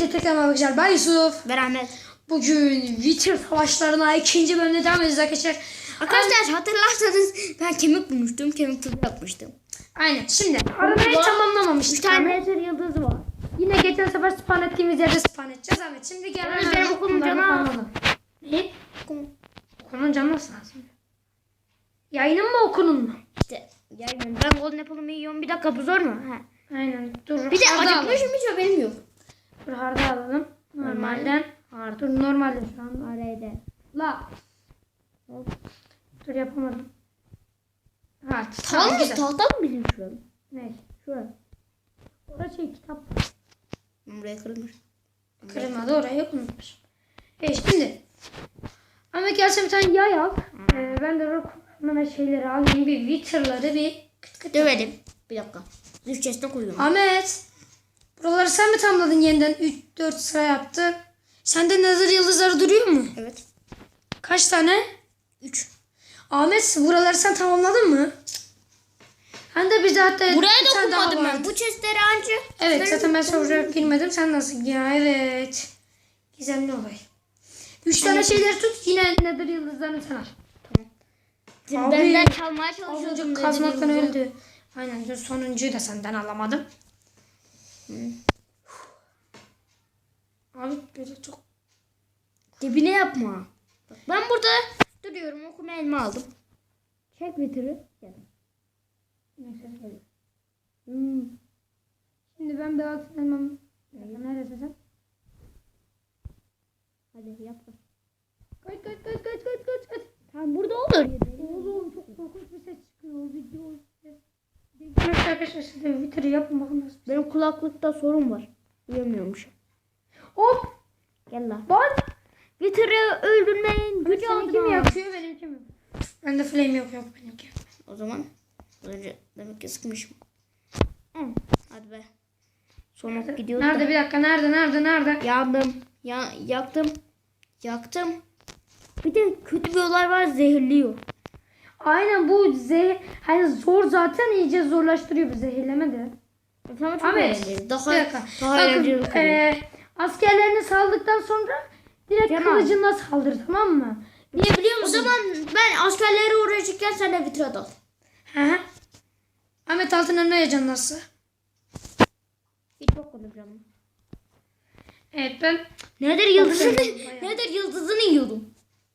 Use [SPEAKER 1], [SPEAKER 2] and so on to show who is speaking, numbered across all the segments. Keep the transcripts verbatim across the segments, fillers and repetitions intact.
[SPEAKER 1] Hepinize tekrar merhaba arkadaşlar. Ben Yusuf.
[SPEAKER 2] Ben Ahmet.
[SPEAKER 1] Bugün Witcher savaşlarına ikinci bölümde devam edeceğiz arkadaşlar.
[SPEAKER 2] Arkadaşlar hatırlarsanız ben kemik bulmuştum. Kemik tuzu yapmıştım.
[SPEAKER 1] Aynen. Şimdi arabayı tamamlamamıştık.
[SPEAKER 2] üç tane eser yıldızı var.
[SPEAKER 1] Yine geçen sefer spawn ettiğimiz yerde spawn edeceğiz. Evet. Şimdi gel.
[SPEAKER 2] Yalnız benim okulun canı az.
[SPEAKER 1] Ne? Okulun canı nasıl lazım? Yayının mı okulun mu?
[SPEAKER 2] İşte yani ben golden apple'ımı yiyorum. Bir dakika bu zor mu? He.
[SPEAKER 1] Aynen. Dur.
[SPEAKER 2] Bir de
[SPEAKER 1] harda
[SPEAKER 2] acıkmışım
[SPEAKER 1] alalım.
[SPEAKER 2] hiç haberim yok.
[SPEAKER 1] Dur harda alalım. Normalden.
[SPEAKER 2] Harda.
[SPEAKER 1] Dur normalde şu an.
[SPEAKER 2] Araydı.
[SPEAKER 1] La.
[SPEAKER 2] Hop.
[SPEAKER 1] Dur yapamadım. Ha,
[SPEAKER 2] Tamam mı?
[SPEAKER 1] güzel.
[SPEAKER 2] Tahta mı bizim şurada?
[SPEAKER 1] Ne?
[SPEAKER 2] Şurada.
[SPEAKER 1] Orada şey kitap.
[SPEAKER 2] Buraya kırılmış.
[SPEAKER 1] Kırılmadı, orayı unutmuş. Evet şimdi. Ama gelse bir tane yay al. Ee, ben de rock'un şeyleri alayım. Bir Witcher'ları bir kıt kıt.
[SPEAKER 2] Dövelim. Bir dakika. Üç chest'e koyuyorum.
[SPEAKER 1] Ahmet. Buraları sen mi tamamladın yeniden? üç dört sıra yaptı. Sende nazar yıldızları duruyor mu?
[SPEAKER 2] Evet.
[SPEAKER 1] Kaç tane?
[SPEAKER 2] Üç.
[SPEAKER 1] Ahmet buraları sen tamamladın mı? Hem de bize hatta
[SPEAKER 2] Buraya
[SPEAKER 1] bir
[SPEAKER 2] da
[SPEAKER 1] tane daha
[SPEAKER 2] okumadım ben.
[SPEAKER 1] vardı.
[SPEAKER 2] Bu chest'leri anca.
[SPEAKER 1] Evet zaten ben soruya girmedim. Sen nasıl? Ya evet. Gizemli olay. Üç tane şeyler tut. Yine nedir yıldızlarını sen al.
[SPEAKER 2] Tamam.
[SPEAKER 1] Abi,
[SPEAKER 2] Benden çalmaya
[SPEAKER 1] Az
[SPEAKER 2] çalışıyordum.
[SPEAKER 1] önce kazmaktan öldü. Aynen. Dur, sonuncuyu da senden alamadım.
[SPEAKER 2] Hı.
[SPEAKER 1] Abi böyle çok...
[SPEAKER 2] Dibine yapma. Bak ben burada duruyorum. Okuma elma aldım. Çek bitiri. Gel.
[SPEAKER 1] Neyse geliyor.
[SPEAKER 2] Hmm.
[SPEAKER 1] Şimdi ben bir altın elmam... Neredesin sen?
[SPEAKER 2] Hadi yap.
[SPEAKER 1] Kaç kaç kaç kaç kaç kaç kaç.
[SPEAKER 2] Tamam burada olur.
[SPEAKER 1] Oğlum çok korkunç bir ses çıkıyor. Video ses. Bilmiyorum arkadaşlar siz de Twitter'ı yapın bakın nasıl.
[SPEAKER 2] Benim kulaklıkta sorun var. Duyamıyormuş.
[SPEAKER 1] Hop!
[SPEAKER 2] Gel lan.
[SPEAKER 1] Bak!
[SPEAKER 2] Twitter'ı öldürmeyin. Gücü
[SPEAKER 1] Seninki mi
[SPEAKER 2] aldın.
[SPEAKER 1] yakıyor benimki mi? Bende flame yok yok benimki.
[SPEAKER 2] O zaman önce demek ki sıkmışım. Evet. Hadi be. Sonra gidiyoruz
[SPEAKER 1] Nerede
[SPEAKER 2] da.
[SPEAKER 1] bir dakika nerede nerede nerede?
[SPEAKER 2] Yandım. Ya, yaktım. Yaktım. Bir de kötü bir olay var, zehirliyor.
[SPEAKER 1] Aynen bu zehir hani zor zaten iyice zorlaştırıyor bu zehirleme de.
[SPEAKER 2] Tamam çok
[SPEAKER 1] Ahmet,
[SPEAKER 2] eğlenceli. Daha,
[SPEAKER 1] bir dakika.
[SPEAKER 2] daha
[SPEAKER 1] Bakın,
[SPEAKER 2] eğlenceli oluyor.
[SPEAKER 1] e, askerlerini saldıktan sonra direkt
[SPEAKER 2] Tamam.
[SPEAKER 1] kılıcınla saldır tamam mı? Niye biliyor
[SPEAKER 2] O
[SPEAKER 1] musun?
[SPEAKER 2] zaman ben askerlere uğraşırken sen de vitrat al.
[SPEAKER 1] Hı hı. Ahmet altın ne yacan nasıl?
[SPEAKER 2] Hiç bakmadım canım.
[SPEAKER 1] Evet ben
[SPEAKER 2] Nedir yıldızını,
[SPEAKER 1] Bayağı.
[SPEAKER 2] nedir yıldızını yiyordum.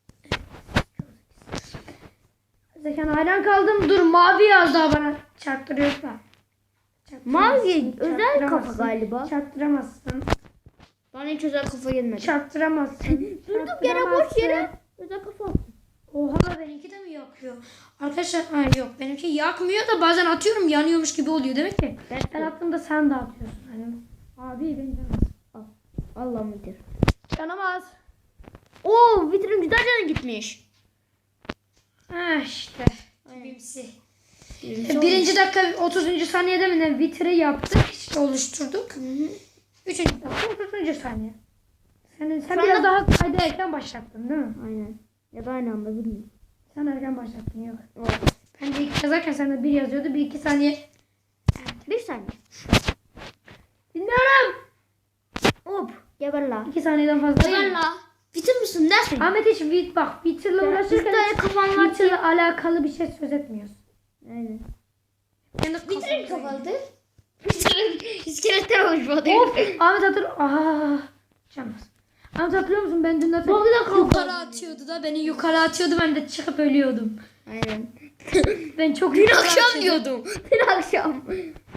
[SPEAKER 1] Zekan hayran kaldım. Dur mavi yaz daha bana çarptırıyorsa.
[SPEAKER 2] Mavi özel kafa
[SPEAKER 1] Çarptıramazsın.
[SPEAKER 2] galiba.
[SPEAKER 1] Çarptıramazsın.
[SPEAKER 2] Bana hiç özel kafa gelmedi.
[SPEAKER 1] Çarptıramazsın.
[SPEAKER 2] Durduk yere boş yere özel kafa.
[SPEAKER 1] Oha benimki de mi yakıyor? Arkadaşlar hayır yok benimki yakmıyor da bazen atıyorum yanıyormuş gibi oluyor demek ki.
[SPEAKER 2] Ben,
[SPEAKER 1] Ben attığımda sen de atıyorsun. Hani, abi beni canımaz.
[SPEAKER 2] Al. Allah mıdır?
[SPEAKER 1] Canamaz.
[SPEAKER 2] Oo vitrin güzel canı gitmiş.
[SPEAKER 1] Ha işte.
[SPEAKER 2] Aynen.
[SPEAKER 1] Bimsi.
[SPEAKER 2] Birinci
[SPEAKER 1] Birinci dakika otuzuncu saniyede mi ne vitri yaptık işte oluşturduk.
[SPEAKER 2] Hı hı.
[SPEAKER 1] Üçüncü dakika otuzuncu saniye. Sen, sen
[SPEAKER 2] Şu
[SPEAKER 1] biraz
[SPEAKER 2] anda-
[SPEAKER 1] daha kayda erken başlattın değil mi?
[SPEAKER 2] Aynen. Ya da aynı anda bilmiyorum.
[SPEAKER 1] Sen erken başlattın yok.
[SPEAKER 2] Oo.
[SPEAKER 1] Ben de iki yazarken sen de bir yazıyordu. Bir iki saniye.
[SPEAKER 2] Bir saniye.
[SPEAKER 1] Bilmiyorum.
[SPEAKER 2] Hop. Geber la.
[SPEAKER 1] İki saniyeden fazla
[SPEAKER 2] Geber
[SPEAKER 1] değil.
[SPEAKER 2] la. Bitir misin dersin?
[SPEAKER 1] Ahmet hiç bit bak Twitter'la
[SPEAKER 2] Ya,
[SPEAKER 1] uğraşırken
[SPEAKER 2] bir tane
[SPEAKER 1] hiç
[SPEAKER 2] kafam var.
[SPEAKER 1] Twitter'la alakalı bir şey söz etmiyorsun.
[SPEAKER 2] Aynen.
[SPEAKER 1] Kendi
[SPEAKER 2] Vitrin
[SPEAKER 1] kafamda.
[SPEAKER 2] kapalı. Vitrin iskeletten oluşmadı.
[SPEAKER 1] Of Ahmet hatır. Aa. Canmaz. Ahmet hatırlıyor musun ben dün de
[SPEAKER 2] Bak, bir dakika.
[SPEAKER 1] yukarı atıyordu da beni yukarı atıyordu ben de çıkıp ölüyordum.
[SPEAKER 2] Aynen.
[SPEAKER 1] Ben çok
[SPEAKER 2] Dün
[SPEAKER 1] yukarı
[SPEAKER 2] akşam
[SPEAKER 1] atıyordum.
[SPEAKER 2] diyordum. Dün akşam.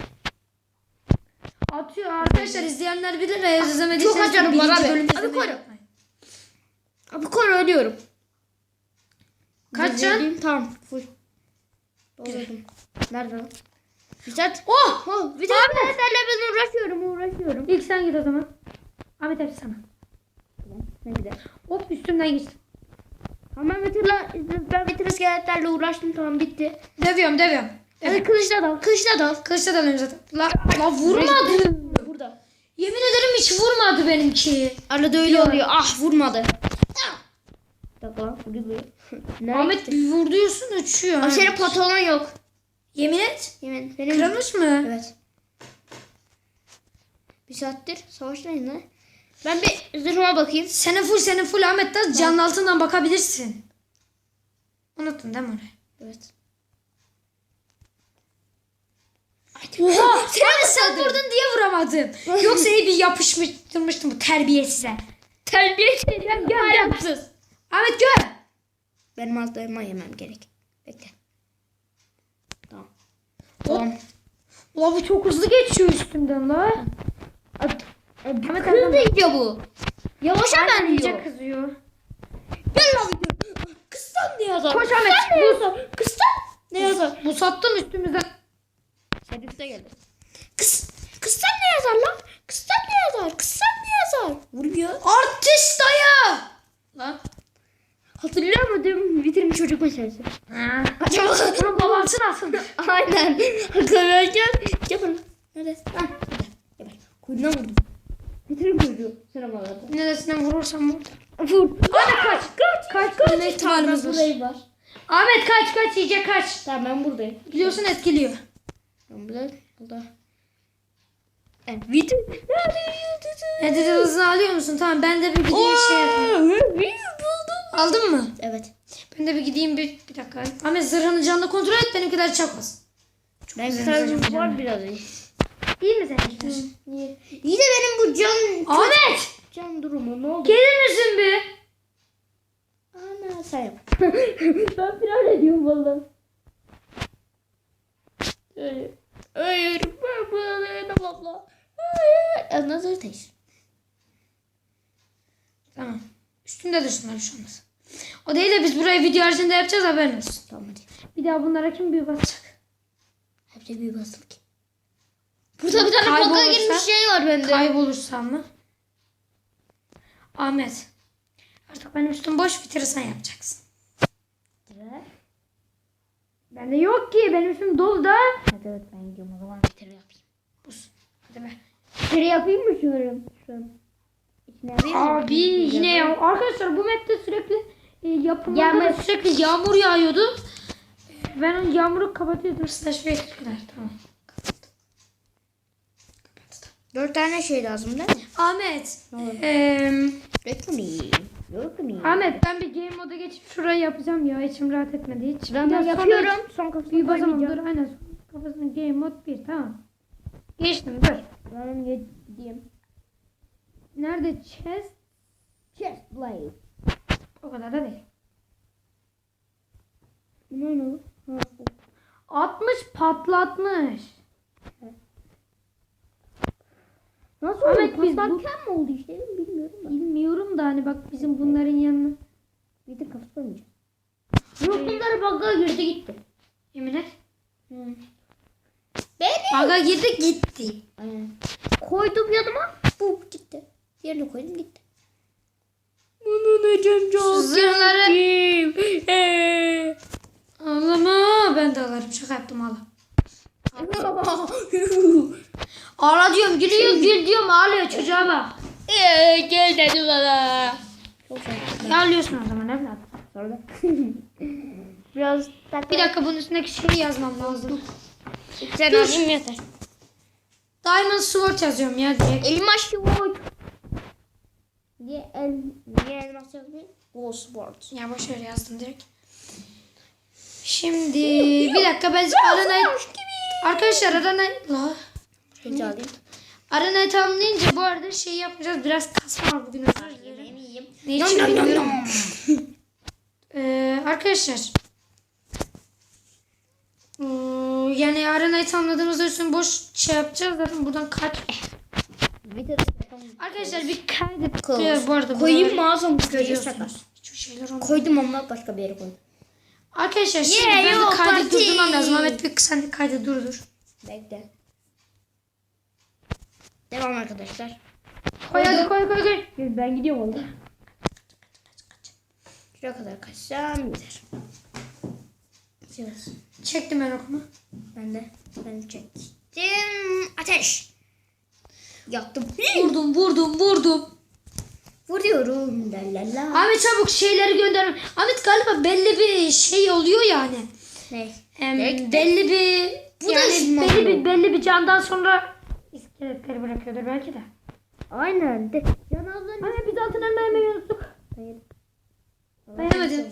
[SPEAKER 1] Atıyor arkadaşlar izleyenler bilir ve izlemediyseniz
[SPEAKER 2] Çok acayip
[SPEAKER 1] birinci
[SPEAKER 2] var abi.
[SPEAKER 1] bölümü
[SPEAKER 2] Abi
[SPEAKER 1] izlemeyi
[SPEAKER 2] koru.
[SPEAKER 1] unutmayın.
[SPEAKER 2] Abi kor ölüyorum.
[SPEAKER 1] Kaç can?
[SPEAKER 2] Zehirliyim, tamam. Full. Doldurdum. Nerede lan? Vitrat. Oh! Oh! Vitratlarla ben uğraşıyorum uğraşıyorum.
[SPEAKER 1] İlk sen git o zaman. Ahmet hepsi sana.
[SPEAKER 2] Ne gider?
[SPEAKER 1] Hop üstümden git.
[SPEAKER 2] Tamam Vitratla, ben Vitrat iskeletlerle uğraştım, tamam bitti.
[SPEAKER 1] Dövüyorum dövüyorum.
[SPEAKER 2] Hadi kılıçla dal, kılıçla dal.
[SPEAKER 1] Kılıçla dalıyorum zaten. La, la vurmadı.
[SPEAKER 2] Burada.
[SPEAKER 1] Yemin ederim hiç vurmadı benimki.
[SPEAKER 2] Arada öyle
[SPEAKER 1] Yok.
[SPEAKER 2] oluyor. Ah vurmadı. Bir dakika lan vuruyor. Nereye
[SPEAKER 1] Ahmet
[SPEAKER 2] gitti?
[SPEAKER 1] bir vuruyorsun uçuyor.
[SPEAKER 2] Abi senin pantolon yok.
[SPEAKER 1] Yemin et.
[SPEAKER 2] Yemin. Benim...
[SPEAKER 1] Kırılmış mı?
[SPEAKER 2] Evet. Bir saattir savaştayız lan. Ben bir zırhıma bakayım.
[SPEAKER 1] Senin full senin full Ahmet de canın altından bakabilirsin. Unuttun değil mi orayı?
[SPEAKER 2] Evet.
[SPEAKER 1] Oha! Ahmet sen vurdun diye vuramadım. Yoksa iyi bir yapıştırmıştım bu terbiyesize.
[SPEAKER 2] Terbiye
[SPEAKER 1] Gel gel gel. Ahmet gel.
[SPEAKER 2] Benim altlarıma yemem gerek. Bekle. Tamam. Tamam.
[SPEAKER 1] Ulan bu çok hızlı geçiyor üstümden la.
[SPEAKER 2] Ahmet hızlı iyice bu. Yavaşa ben
[SPEAKER 1] iyice
[SPEAKER 2] diyor.
[SPEAKER 1] kızıyor.
[SPEAKER 2] Gel lan video. Kıssan ne yazar?
[SPEAKER 1] Koş Ahmet.
[SPEAKER 2] Kıssan ne yazar? Kıssan ne yazar?
[SPEAKER 1] Bu sattın üstümüzden.
[SPEAKER 2] Sen üstte geldin. Kıs, kıssan ne yazar lan? Kıssan ne yazar? Kıssan ne yazar? Vuruyor.
[SPEAKER 1] Artist dayı. Lan.
[SPEAKER 2] Hatırlıyor musun? Vitrin çocuk meselesi. Acaba
[SPEAKER 1] Bunun babası nasıl?
[SPEAKER 2] aynen. Hatırlarken yapın. Nerede? Ha. Yapın. Kuyruğuna vurdum. Vitrin çocuğu. Sıra bana.
[SPEAKER 1] Neresinden vurursam vur.
[SPEAKER 2] Vur.
[SPEAKER 1] Hadi kaç. Kaç. Kaç. Kaç. Ne ihtimalimiz var?
[SPEAKER 2] Buradayım var.
[SPEAKER 1] Ahmet kaç kaç iyice kaç.
[SPEAKER 2] Tamam ben buradayım.
[SPEAKER 1] Biliyorsun etkiliyor.
[SPEAKER 2] Ben burada. Burada. Evet. Vitrin.
[SPEAKER 1] Ne dedi hızını alıyor musun? Tamam ben de bir gideyim şey yapayım.
[SPEAKER 2] Buldum.
[SPEAKER 1] Aldın mı?
[SPEAKER 2] Evet.
[SPEAKER 1] Ben de bir gideyim bir, bir dakika. Ahmet zırhını canlı kontrol et benimkiler çakmasın.
[SPEAKER 2] Ben
[SPEAKER 1] güzel
[SPEAKER 2] sadece
[SPEAKER 1] güzel
[SPEAKER 2] var
[SPEAKER 1] canım.
[SPEAKER 2] biraz iyi.
[SPEAKER 1] İyi mi seninkiler?
[SPEAKER 2] İyi. İyi de benim bu can
[SPEAKER 1] Ahmet!
[SPEAKER 2] can durumu ne oldu?
[SPEAKER 1] Gelir misin bir?
[SPEAKER 2] Ana sen yap. Ben firar ediyorum valla. Hayır. Hayır. Ben buna dayanamam abla. Hayır. Another taste.
[SPEAKER 1] Tamam. Üstünde dursunlar bir şey olmaz. O değil de biz burayı video haricinde yapacağız haberin olsun.
[SPEAKER 2] Tamam hadi.
[SPEAKER 1] Bir daha bunlara kim büyü basacak?
[SPEAKER 2] Hepsi bir basıp ki. Burada bir tane
[SPEAKER 1] Kaybolursa-
[SPEAKER 2] boka girmiş şey var bende.
[SPEAKER 1] Kaybolursam mı? Ahmet. Artık benim üstüm boş bitirirsen yapacaksın. Bende yok ki benim üstüm dolu da.
[SPEAKER 2] Hadi evet ben gidiyorum o zaman bir kere yapayım.
[SPEAKER 1] Buz. Hadi be.
[SPEAKER 2] Bir kere yapayım mı şunu? Şu an. İçine yapayım mı?
[SPEAKER 1] Abi yine ya. Arkadaşlar bu map'te sürekli e, yapımında
[SPEAKER 2] Yağmur.
[SPEAKER 1] da sürekli yağmur yağıyordu. E, Ben o yağmuru kapatıyordum. Slash ve kadar. Tamam.
[SPEAKER 2] Dört tane şey lazım değil mi?
[SPEAKER 1] Ahmet.
[SPEAKER 2] Ne oldu?
[SPEAKER 1] eee,
[SPEAKER 2] Beklemeyin. Beklemeyin.
[SPEAKER 1] Ahmet ben bir game moda geçip şurayı yapacağım ya. İçim rahat etmedi hiç.
[SPEAKER 2] Ben
[SPEAKER 1] Bir daha sonra
[SPEAKER 2] yapıyorum. Son kafasını
[SPEAKER 1] Bir basamam dur
[SPEAKER 2] koymayacağım.
[SPEAKER 1] aynen. Kafasına game mod bir tamam. Geçtim dur.
[SPEAKER 2] Ben gideyim.
[SPEAKER 1] Nerede chest?
[SPEAKER 2] Chest blade.
[SPEAKER 1] O kadar da değil.
[SPEAKER 2] Bu ne oldu? Ha, bu.
[SPEAKER 1] altmış patlatmış.
[SPEAKER 2] Nasıl
[SPEAKER 1] Ahmet,
[SPEAKER 2] oldu?
[SPEAKER 1] biz bu-
[SPEAKER 2] Patlarken mi oldu işte bilmiyorum da.
[SPEAKER 1] Bilmiyorum da hani bak bizim bunların yanına.
[SPEAKER 2] Bir de kafası koymayacağım. Yok bunları bug'a girdi gitti.
[SPEAKER 1] Yemin et.
[SPEAKER 2] Hı. Benim.
[SPEAKER 1] Baga girdi gitti.
[SPEAKER 2] Aynen. Koydum yanıma. Bu gitti. Yerine koydum gitti. Bunun acım
[SPEAKER 1] Şu zırhları. Ağlama ben de ağlarım şaka yaptım ağla. Ağla diyorum gülüyor gül diyorum ağlıyor çocuğa bak.
[SPEAKER 2] Gel dedi bana. Çok şey.
[SPEAKER 1] Ağlıyorsun o zaman evladım.
[SPEAKER 2] Sonra. Biraz
[SPEAKER 1] Bir dakika bunun üstündeki şeyi yazmam lazım.
[SPEAKER 2] Sen
[SPEAKER 1] Dur.
[SPEAKER 2] alayım yeter.
[SPEAKER 1] Diamond Sword yazıyorum ya direkt.
[SPEAKER 2] Elmas sword. Niye el niye elmas yazmıyor? Gold sword.
[SPEAKER 1] Ya boşver yazdım direkt. Şimdi bir dakika ben aranayı... Arkadaşlar aranayı... La.
[SPEAKER 2] Şöyle alayım.
[SPEAKER 1] Aranayı tamamlayınca bu arada şey yapacağız. Biraz kasma var bugün özür dilerim.
[SPEAKER 2] Yiyeyim.
[SPEAKER 1] Ne için bilmiyorum. Ee, arkadaşlar. Ee, yani aranayı tamamladığımızda üstüne boş şey yapacağız. Zaten buradan kaç... Arkadaşlar bir kaydet.
[SPEAKER 2] Close.
[SPEAKER 1] Bu arada
[SPEAKER 2] Koyayım
[SPEAKER 1] buraları
[SPEAKER 2] mı ağzım
[SPEAKER 1] görüyorsunuz. Hiçbir şeyler olmuyor.
[SPEAKER 2] Koydum ama başka bir yere koydum.
[SPEAKER 1] Arkadaşlar şimdi
[SPEAKER 2] Yeah,
[SPEAKER 1] ben
[SPEAKER 2] yo,
[SPEAKER 1] de kaydı
[SPEAKER 2] party.
[SPEAKER 1] durdurmam lazım. Ahmet bir sen de kaydı durdur.
[SPEAKER 2] Bekle. Devam arkadaşlar.
[SPEAKER 1] Koy hadi koy koy koy.
[SPEAKER 2] Ben gidiyorum oğlum. Şuraya kadar kaçsam yeter. Yes.
[SPEAKER 1] Çektim ben okumu.
[SPEAKER 2] Ben de ben çektim. Ateş. Yaktım.
[SPEAKER 1] Vurdum vurdum vurdum.
[SPEAKER 2] Vuruyorum. La la la.
[SPEAKER 1] Ahmet çabuk şeyleri gönder. Ahmet galiba belli bir şey oluyor yani.
[SPEAKER 2] Ne?
[SPEAKER 1] Em,
[SPEAKER 2] Bekle.
[SPEAKER 1] belli bir
[SPEAKER 2] Bu da
[SPEAKER 1] yani
[SPEAKER 2] şımarık.
[SPEAKER 1] belli bir belli bir candan sonra iskeletleri bırakıyordur belki de.
[SPEAKER 2] Aynen. De. Can ablanın.
[SPEAKER 1] Anne biz altın elma yemeyi unuttuk.
[SPEAKER 2] Hayır.
[SPEAKER 1] Beğenmedin.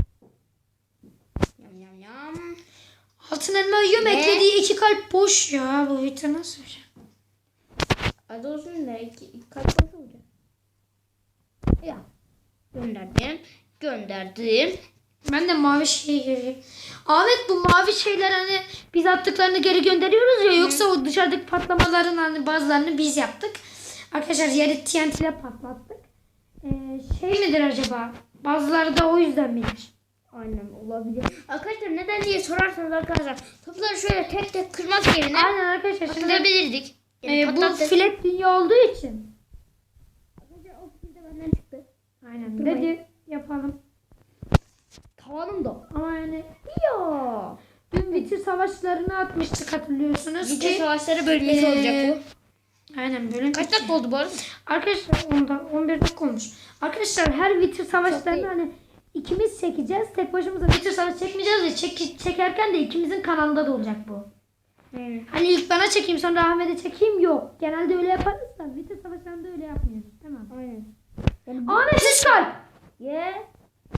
[SPEAKER 2] Yam yam yam.
[SPEAKER 1] Altın elma yiyorum,
[SPEAKER 2] Ne?
[SPEAKER 1] eklediği iki kalp boş ya. Bu vita nasıl bir şey?
[SPEAKER 2] Adı olsun da iki, iki kalp boş olacak. Ya. Gönderdim. Gönderdim.
[SPEAKER 1] Ben de mavi şey göreyim. Ahmet, bu mavi şeyler hani biz attıklarını geri gönderiyoruz ya. Yoksa o dışarıdaki patlamaların hani bazılarını biz yaptık. Arkadaşlar yeri T N T ile patlattık. Ee, şey midir acaba? Bazıları da o yüzden midir?
[SPEAKER 2] Aynen olabilir. Arkadaşlar neden diye sorarsanız arkadaşlar topları şöyle tek tek kırmak yerine
[SPEAKER 1] Aynen arkadaşlar. Şimdi
[SPEAKER 2] atabilirdik.
[SPEAKER 1] e, bu
[SPEAKER 2] patlattık.
[SPEAKER 1] filet dünya olduğu için.
[SPEAKER 2] Arkadaşlar o fikir de benden çıktı.
[SPEAKER 1] Aynen.
[SPEAKER 2] Durmayın.
[SPEAKER 1] Dedi yapalım.
[SPEAKER 2] Tavanım da.
[SPEAKER 1] Ama yani
[SPEAKER 2] Ya.
[SPEAKER 1] dün bitir savaşlarını atmıştık, hatırlıyorsunuz
[SPEAKER 2] Video
[SPEAKER 1] ki.
[SPEAKER 2] savaşları bölgesi
[SPEAKER 1] Ee,
[SPEAKER 2] olacak
[SPEAKER 1] Aynen bölüm.
[SPEAKER 2] bu. Kaç dakika oldu bu arada?
[SPEAKER 1] Arkadaşlar onda on bir dakika olmuş. Arkadaşlar her bitir
[SPEAKER 2] Çok
[SPEAKER 1] savaşlarını
[SPEAKER 2] iyi.
[SPEAKER 1] hani ikimiz çekeceğiz. Tek başımıza bitir savaş çekmeyeceğiz de çek, çekerken de ikimizin kanalında da olacak bu.
[SPEAKER 2] Hmm.
[SPEAKER 1] Hani ilk bana çekeyim sonra Ahmet'e çekeyim, yok. Genelde öyle yaparız da bitir savaşlarında öyle yapmıyoruz. Tamam.
[SPEAKER 2] Aynen. Yani bu...
[SPEAKER 1] Ahmet üç kalp.
[SPEAKER 2] Ye.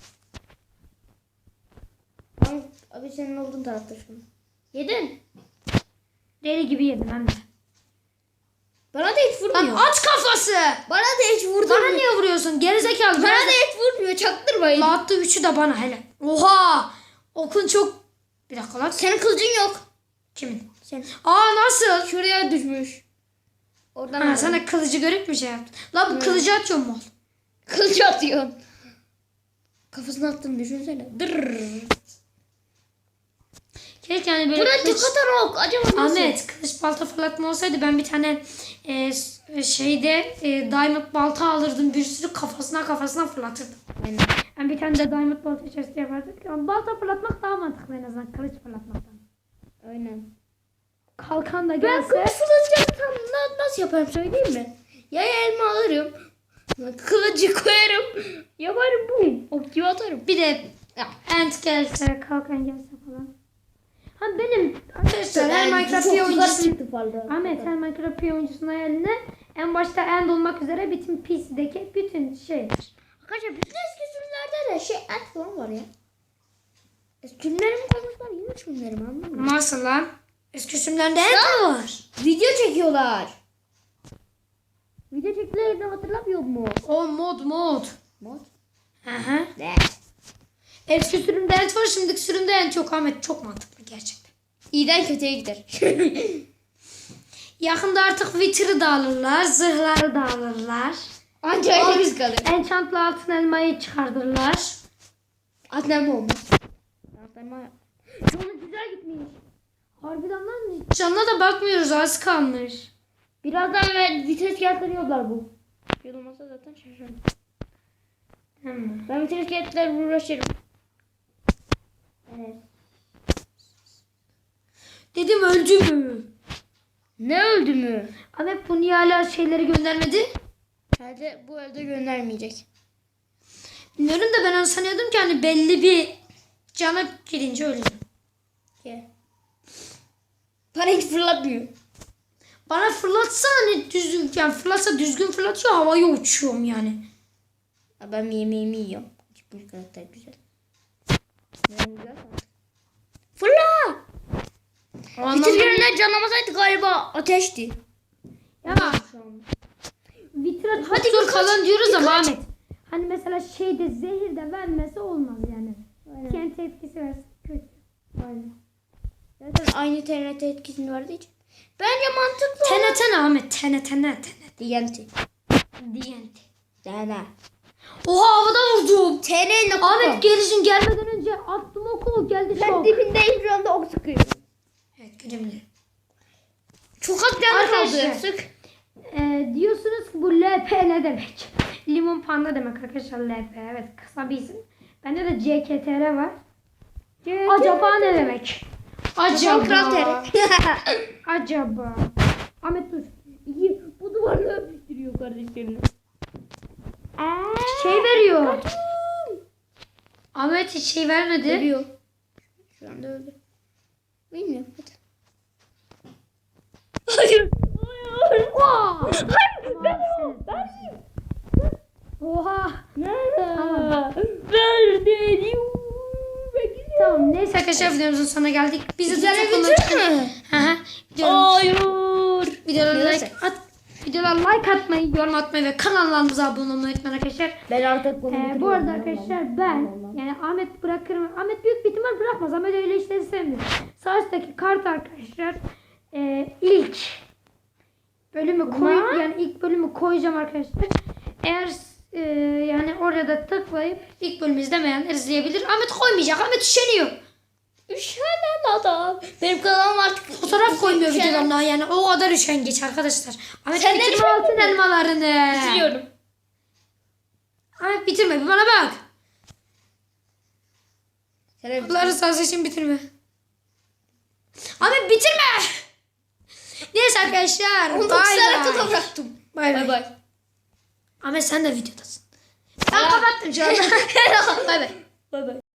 [SPEAKER 2] Abi, abi senin olduğun tarafta şu an. Yedin.
[SPEAKER 1] Deli gibi yedim hem de.
[SPEAKER 2] Bana da hiç
[SPEAKER 1] Lan
[SPEAKER 2] vurmuyor.
[SPEAKER 1] at kafası.
[SPEAKER 2] Bana da hiç vurdu.
[SPEAKER 1] Bana niye vuruyorsun? Gerizekalı.
[SPEAKER 2] Bana da hiç vurmuyor. Çaktırmayın.
[SPEAKER 1] La attı üçü de bana hele. Oha. Okun çok. Bir dakika lan.
[SPEAKER 2] Senin kılıcın yok.
[SPEAKER 1] Kimin?
[SPEAKER 2] Sen.
[SPEAKER 1] Aa nasıl?
[SPEAKER 2] Şuraya düşmüş. Oradan
[SPEAKER 1] Ha,
[SPEAKER 2] aldım.
[SPEAKER 1] sana kılıcı görüp mü şey yaptın? La bu
[SPEAKER 2] Hı.
[SPEAKER 1] kılıcı atıyor mu?
[SPEAKER 2] Kılıç atıyorsun. Kafasına attığını düşünsene. Dırrrr.
[SPEAKER 1] Keşke yani böyle
[SPEAKER 2] Buna
[SPEAKER 1] kılıç...
[SPEAKER 2] tık atan ok. Acaba nasıl?
[SPEAKER 1] Ahmet, kılıç balta fırlatma olsaydı ben bir tane e, s- şeyde e, diamond balta alırdım, bir sürü kafasına kafasına fırlatırdım.
[SPEAKER 2] Aynen.
[SPEAKER 1] Yani bir tane de diamond balta içerisinde yapardık. Ama balta fırlatmak daha mantıklı en azından kılıç fırlatmaktan.
[SPEAKER 2] Aynen.
[SPEAKER 1] Kalkan da
[SPEAKER 2] Ben
[SPEAKER 1] gelse...
[SPEAKER 2] kılıç fırlatacaksam na- nasıl yaparım söyleyeyim mi? Ya elma alırım. Kılıcı koyarım. Yaparım bu. Ok gibi atarım.
[SPEAKER 1] Bir de ant gelse, kalkan gelse falan. Ha benim arkadaşlar her Minecraft bir oyuncusu... Ahmet, her Minecraft bir oyuncusunun hayaline en başta end olmak üzere bütün P C'deki bütün şeyler.
[SPEAKER 2] Arkadaşlar bütün eski sürümlerde de şey et falan var ya. Sürümleri mi koymuşlar? Yeni sürümleri mi anlamıyorum.
[SPEAKER 1] Nasıl lan? Eski sürümlerde end var.
[SPEAKER 2] Video çekiyorlar. Video çektiğlerini hatırlamıyor mu?
[SPEAKER 1] O mod mod.
[SPEAKER 2] Mod?
[SPEAKER 1] Aha.
[SPEAKER 2] Ne?
[SPEAKER 1] Eski sürümde end var, şimdiki sürümde end yok Ahmet. Çok mantıklı gerçekten.
[SPEAKER 2] İyiden kötüye gider.
[SPEAKER 1] Yakında artık Wither'ı da alırlar, zırhları da alırlar.
[SPEAKER 2] Anca öyle biz kalır.
[SPEAKER 1] Enchant'lı altın elmayı çıkartırlar.
[SPEAKER 2] Atlanma olmaz. Atlanma.
[SPEAKER 1] Canı güzel gitmiş. Harbiden lan canına da bakmıyoruz, az kalmış.
[SPEAKER 2] Birazdan ve vites kağıtları bu. Yol olmasa zaten şaşırırım.
[SPEAKER 1] Hmm.
[SPEAKER 2] Ben vites kağıtlarla uğraşırım. Evet.
[SPEAKER 1] Dedim öldü mü?
[SPEAKER 2] Ne öldü mü?
[SPEAKER 1] Ahmet bu niye hala şeyleri göndermedi?
[SPEAKER 2] Herhalde bu evde göndermeyecek.
[SPEAKER 1] Bilmiyorum da ben onu sanıyordum ki hani belli bir cana girince ölüyor.
[SPEAKER 2] Ye. Bana hiç fırlatmıyor.
[SPEAKER 1] Bana fırlatsa hani düzgün, yani fırlatsa düzgün fırlatıyor, havaya uçuyorum yani.
[SPEAKER 2] Ya ben yemeğimi yiyorum. Çıkmış karakter güzel. Ben güzel fırla!
[SPEAKER 1] O anlamda-
[SPEAKER 2] Bitirgerinden canlamasaydı galiba ateşti.
[SPEAKER 1] Ya Vitra
[SPEAKER 2] Hadi
[SPEAKER 1] tutur
[SPEAKER 2] birkaç-
[SPEAKER 1] falan diyoruz ama
[SPEAKER 2] birkaç-
[SPEAKER 1] Ahmet. Hani mesela şeyde zehir de vermesi olmaz yani.
[SPEAKER 2] Aynen.
[SPEAKER 1] Kendi etkisi versin kötü.
[SPEAKER 2] Aynen. Zaten aynı T N T etkisini verdiği için. Bence mantıklı.
[SPEAKER 1] T N T ne Ahmet? T N T ne? T N T.
[SPEAKER 2] T N T.
[SPEAKER 1] D N T.
[SPEAKER 2] T N T.
[SPEAKER 1] Oha, havada vurdum.
[SPEAKER 2] T N T.
[SPEAKER 1] Ahmet gelişin gelmeden önce attım oku, geldi
[SPEAKER 2] Ben
[SPEAKER 1] şok.
[SPEAKER 2] dibindeyim şu anda ok sıkıyorum.
[SPEAKER 1] Evet, görebilirim.
[SPEAKER 2] Çok az canı
[SPEAKER 1] Arkadaşlar.
[SPEAKER 2] kaldı. Sık.
[SPEAKER 1] Ee, diyorsunuz ki bu L P ne demek? Limon panda demek arkadaşlar, L P. Evet, kısa bir isim. Bende de C K T R var. Acaba ne demek?
[SPEAKER 2] Acaba.
[SPEAKER 1] Acaba. Acaba. Ahmet dur.
[SPEAKER 2] İyi. Bu duvarla öpüştürüyor kardeşlerini.
[SPEAKER 1] Şey veriyor. Ahmet hiç şey vermedi.
[SPEAKER 2] Ölüyor. Şu anda öldü. Bilmiyorum. Hadi. Hayır. Hayır.
[SPEAKER 1] Wow.
[SPEAKER 2] Hayır. Ben
[SPEAKER 1] arkadaşlar videomuzun sonuna geldik. Bizi
[SPEAKER 2] Güzel
[SPEAKER 1] de çok
[SPEAKER 2] bitir
[SPEAKER 1] unutmayın.
[SPEAKER 2] mi?
[SPEAKER 1] Hı hı. Videolarımız-
[SPEAKER 2] Hayır.
[SPEAKER 1] Videolara
[SPEAKER 2] Neyse.
[SPEAKER 1] like at. Videolara like atmayı, yorum atmayı ve kanallarımıza abone olmayı unutmayın arkadaşlar.
[SPEAKER 2] Ben artık bunu
[SPEAKER 1] Ee, bu arada arkadaşlar ben yani Ahmet bırakırım. Ahmet büyük bir ihtimal bırakmaz. Ahmet öyle işleri sevmiyor. Sağ üstteki kart arkadaşlar e, ilk bölümü koy
[SPEAKER 2] Ama-
[SPEAKER 1] yani ilk bölümü koyacağım arkadaşlar. Eğer e, yani oraya da tıklayıp ilk bölümü izlemeyenler izleyebilir. Ahmet koymayacak. Ahmet üşeniyor.
[SPEAKER 2] Üşenen adam. Benim kanalım artık
[SPEAKER 1] Fotoğraf koymuyor
[SPEAKER 2] Üşenen-
[SPEAKER 1] videolarına yani o kadar üşengeç arkadaşlar. Ahmet
[SPEAKER 2] Sen de
[SPEAKER 1] bitirme
[SPEAKER 2] üşendin
[SPEAKER 1] altın
[SPEAKER 2] mi?
[SPEAKER 1] elmalarını.
[SPEAKER 2] Bitiriyorum.
[SPEAKER 1] Ahmet bitirme bir bana bak.
[SPEAKER 2] Sen de
[SPEAKER 1] Allah rızası için bitirme. Ahmet bitirme. Neyse arkadaşlar.
[SPEAKER 2] on dokuz
[SPEAKER 1] Bay
[SPEAKER 2] tane
[SPEAKER 1] bay.
[SPEAKER 2] kata bıraktım.
[SPEAKER 1] Bay
[SPEAKER 2] Bay
[SPEAKER 1] bay.
[SPEAKER 2] bay.
[SPEAKER 1] Ahmet sen de videodasın. Ben kapattım şu anda. Bay bay.
[SPEAKER 2] Bay bay.